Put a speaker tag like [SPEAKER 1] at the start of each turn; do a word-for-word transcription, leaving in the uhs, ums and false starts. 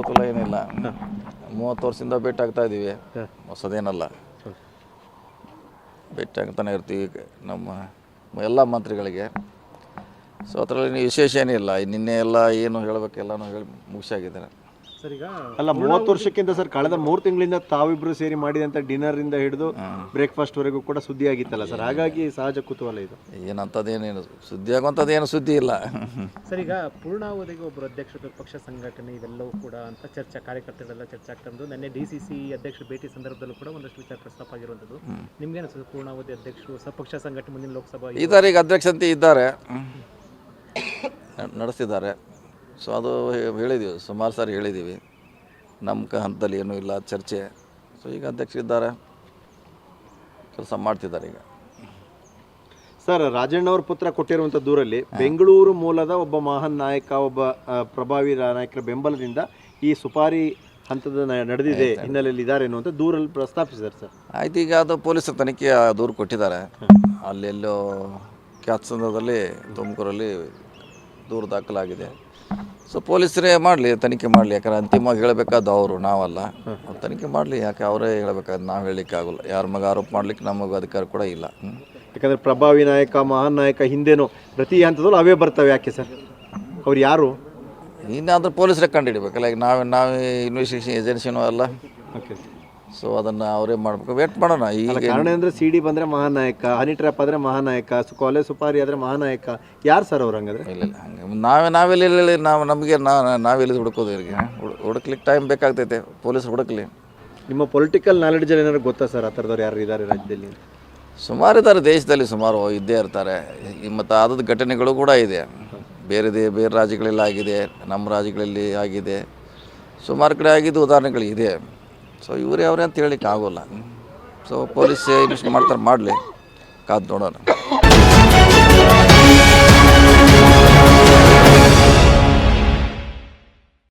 [SPEAKER 1] ಗೋಕುಲ ಏನಿಲ್ಲ, ಮೂವತ್ತು ವರ್ಷದಿಂದ ಭೇಟಿ ಆಗ್ತಾ ಇದ್ದೀವಿ, ಹೊಸದೇನಲ್ಲ. ಭೇಟಿ ಆಗ್ತಾನೆ ಇರ್ತೀವಿ ನಮ್ಮ ಎಲ್ಲ ಮಂತ್ರಿಗಳಿಗೆ. ಸೊ ಅದರಲ್ಲಿ ವಿಶೇಷ ಏನಿಲ್ಲ. ನಿನ್ನೆ ಎಲ್ಲ ಏನು ಹೇಳಬೇಕೆಲ್ಲನೂ ಹೇಳಿ ಮುಗಿಸಾಗಿದ್ದಾರೆ
[SPEAKER 2] ಸರ್. ಈಗ
[SPEAKER 3] ಅಲ್ಲ, ಮೂವತ್ತು ವರ್ಷಕ್ಕಿಂತ ಸರ್ ಕಳೆದ ಮೂರು ತಿಂಗಳಿಂದ ತಾವಿಬ್ರು ಸೇರಿ ಮಾಡಿದಂಥ ಡಿನ್ನರಿಂದ ಹಿಡಿದು ಬ್ರೇಕ್ಫಾಸ್ಟ್ವರೆಗೂ ಕೂಡ ಸುದ್ದಿ ಆಗಿತ್ತಲ್ಲ ಸರ್, ಹಾಗಾಗಿ ಸಹಜ ಕುತೂಹಲ ಇದು.
[SPEAKER 1] ಏನಂಥದ್ದೇನೇನು ಸುದ್ದಿ ಆಗುವಂಥದ್ದು ಏನು ಸುದ್ದಿ ಇಲ್ಲ
[SPEAKER 2] ಸರ್. ಈಗ ಪೂರ್ಣಾವಧಿಗೆ ಒಬ್ಬರು ಅಧ್ಯಕ್ಷರು, ಪಕ್ಷ ಸಂಘಟನೆ ಇವೆಲ್ಲವೂ ಕೂಡ ಅಂತ ಚರ್ಚೆ, ಕಾರ್ಯಕರ್ತರೆಲ್ಲ ಚರ್ಚೆ ಆಗ್ತಂದು ನಿನ್ನೆ ಡಿ ಸಿ ಸಿ ಅಧ್ಯಕ್ಷರು ಭೇಟಿ ಸಂದರ್ಭದಲ್ಲೂ ಕೂಡ ಒಂದಷ್ಟು ವಿಚಾರ ಪ್ರಸ್ತಾಪ ಆಗಿರುವಂಥದ್ದು. ನಿಮ್ಗೇನು ಸರ್, ಪೂರ್ಣಾವಧಿ ಅಧ್ಯಕ್ಷರು ಸಪಕ್ಷ ಸಂಘಟನೆ ಮುಂದಿನ ಲೋಕಸಭಾ
[SPEAKER 1] ಇದ್ದಾರೆ, ಈಗ ಅಧ್ಯಕ್ಷಂತೆ ಇದ್ದಾರೆ, ನಡೆಸಿದ್ದಾರೆ. ಸೊ ಅದು ಹೇಳಿದ್ದೀವಿ, ಸುಮಾರು ಸಾರಿ ಹೇಳಿದ್ದೀವಿ. ನಮ್ಮ ಕ ಹಂತದಲ್ಲಿ ಏನೂ ಇಲ್ಲ ಚರ್ಚೆ. ಸೊ ಈಗ ಅಧ್ಯಕ್ಷರಿದ್ದಾರೆ, ಕೆಲಸ ಮಾಡ್ತಿದ್ದಾರೆ. ಈಗ
[SPEAKER 3] ಸರ್, ರಾಜಣ್ಣವ್ರ ಪುತ್ರ ಕೊಟ್ಟಿರುವಂಥ ದೂರಲ್ಲಿ ಬೆಂಗಳೂರು ಮೂಲದ ಒಬ್ಬ ಮಹಾನ್ ನಾಯಕ, ಒಬ್ಬ ಪ್ರಭಾವಿ ನಾಯಕರ ಬೆಂಬಲದಿಂದ ಈ ಸುಪಾರಿ ಹಂತದ ನಡೆದಿದೆ ಹಿನ್ನೆಲೆಯಲ್ಲಿ ಇದ್ದಾರೆ ಅನ್ನುವಂಥ ದೂರಲ್ಲಿ ಪ್ರಸ್ತಾಪಿಸಿದ್ದಾರೆ ಸರ್.
[SPEAKER 1] ಆಯ್ತು, ಈಗ ಅದು ಪೊಲೀಸರ ತನಿಖೆ ದೂರು ಕೊಟ್ಟಿದ್ದಾರೆ. ಅಲ್ಲೆಲ್ಲೋ ಕ್ಯಾತ್ಸಂದ್ರದಲ್ಲಿ ತುಮಕೂರಲ್ಲಿ ದೂರು ದಾಖಲಾಗಿದೆ. ಸೊ ಪೊಲೀಸರೇ ಮಾಡಲಿ, ತನಿಖೆ ಮಾಡಲಿ. ಯಾಕಂದ್ರೆ ಅಂತಿಮವಾಗಿ ಹೇಳಬೇಕಾದ ಅವರು, ನಾವಲ್ಲ. ಅವ್ರು ತನಿಖೆ ಮಾಡಲಿ, ಯಾಕೆ ಅವರೇ ಹೇಳಬೇಕಾದ್ರೆ ನಾವು ಹೇಳಲಿಕ್ಕೆ ಆಗೋಲ್ಲ. ಯಾರ ಮಗ ಆರೋಪ ಮಾಡಲಿಕ್ಕೆ ನಮಗೆ ಅಧಿಕಾರ ಕೂಡ ಇಲ್ಲ.
[SPEAKER 3] ಯಾಕಂದರೆ ಪ್ರಭಾವಿ ನಾಯಕ, ಮಹಾನ್ ನಾಯಕ ಹಿಂದೆನೂ ಪ್ರತಿ ಹಂತದಲ್ಲೂ ಅವೇ ಬರ್ತವೆ. ಯಾಕೆ ಸರ್, ಅವ್ರು ಯಾರು?
[SPEAKER 1] ಇನ್ನಾದರೂ ಪೊಲೀಸರೇ ಕಂಡು ಹಿಡಿಬೇಕಲ್ಲ. ಈಗ ನಾವೇ ನಾವೇ ಇನ್ವೆಸ್ಟಿಗೇಷನ್ ಏಜೆನ್ಸಿನೂ ಅಲ್ಲ.
[SPEAKER 3] ಓಕೆ.
[SPEAKER 1] ಸೊ ಅದನ್ನು ಅವರೇ ಮಾಡಬೇಕು. ವೇಟ್ ಮಾಡೋಣ. ಈಗ
[SPEAKER 3] ಕಾರಣ ಅಂದರೆ ಸಿ ಡಿ ಬಂದರೆ ಮಹಾನಾಯಕ, ಹನಿ ಟ್ರ್ಯಾಪ್ ಆದರೆ ಮಹಾನಾಯಕ, ಕಾಲೇಜ್ ಸುಪಾರಿ ಆದರೆ ಮಹಾನಾಯಕ. ಯಾರು ಸರ್ ಅವ್ರು ಹಂಗಾದ್ರೆ?
[SPEAKER 1] ಇಲ್ಲ ಇಲ್ಲ ಹಂಗೆ ನಾವೇ ನಾವೆಲ್ಲಿ ಹೇಳಿ ನಾವು ನಮಗೆ ನಾವು ನಾವೆಲ್ಲಿ ಹುಡುಕೋದು? ಇವ್ರಿಗೆ ಹುಡುಕ್ಲಿಕ್ಕೆ ಟೈಮ್ ಬೇಕಾಗ್ತೈತೆ, ಪೊಲೀಸರು ಹುಡುಕ್ಲಿ.
[SPEAKER 3] ನಿಮ್ಮ ಪೊಲಿಟಿಕಲ್ ನಾಲೆಡ್ಜಲ್ಲಿ ಏನಾದ್ರು ಗೊತ್ತಾ ಸರ್, ಆ ಥರದವ್ರು ಯಾರು ಇದ್ದಾರೆ ರಾಜ್ಯದಲ್ಲಿ?
[SPEAKER 1] ಸುಮಾರು ಇದ್ದಾರೆ, ದೇಶದಲ್ಲಿ ಸುಮಾರು ಇದ್ದೇ ಇರ್ತಾರೆ. ಮತ್ತು ಆದದ್ದು ಘಟನೆಗಳು ಕೂಡ ಇದೆ. ಬೇರೆ ದೇ ಬೇರೆ ರಾಜ್ಯಗಳೆಲ್ಲ ಆಗಿದೆ, ನಮ್ಮ ರಾಜ್ಯಗಳಲ್ಲಿ ಆಗಿದೆ, ಸುಮಾರು ಕಡೆ ಆಗಿದ್ದು ಉದಾಹರಣೆಗಳು ಇದೆ. ಸೊ ಇವರೇ ಅವರೇ ಅಂತ ಹೇಳಲಿಕ್ಕೆ ಆಗೋಲ್ಲ. ಸೊ ಪೊಲೀಸ್ ಇನ್ವೆಸ್ಟ್ ಮಾಡ್ತಾರೆ, ಮಾಡಲಿ, ಕಾದು ನೋಡೋಣ.